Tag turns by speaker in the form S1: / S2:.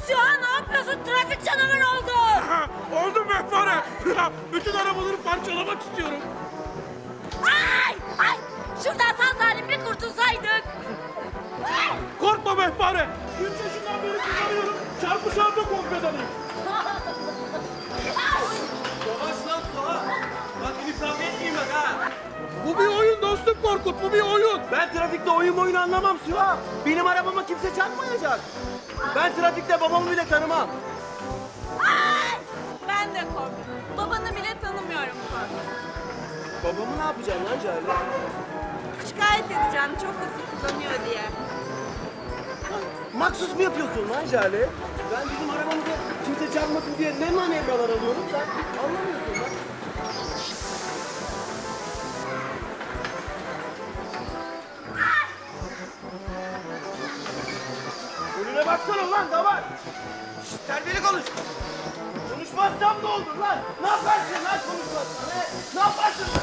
S1: Süha ne yapıyorsun? Trafik canavarı oldun.
S2: Oldum Mehpare. Bütün arabaları parçalamak istiyorum.
S1: Ay! Ay! Şuradan sağ salim bir kurtulsaydık. Ay!
S2: Korkma Mehpare. 3 yaşından beri kullanıyorum. Çarpışan da korkmadanıyım.
S3: Yavaş lan Suha. Bak gidip kavga etmeyeyim bak ha.
S2: Bu bir oyun dostum Korkut. Bu bir oyun.
S3: Ben trafikte oyun anlamam Suha. Benim arabama kimse çarpmayacak. Ben trafikte babamı bile tanımam.
S1: Ay! Ben de korktum. Babanı bile tanımıyorum korktum.
S3: Babamı ne yapacaksın lan Cale?
S1: Şikayet edeceğim çok hızlı kullanıyor diye.
S3: Maksus mu yapıyorsun lan Jale? Ben bizim arabamıza kimse çarpmasın diye ne manevralar alıyorum sen anlamıyorsun lan. Önüne baksana lan davar. Şşt terbiyeli konuş. Konuşmazsam ne olur lan? Ne yaparsın lan konuşmazsan he? Ne yaparsın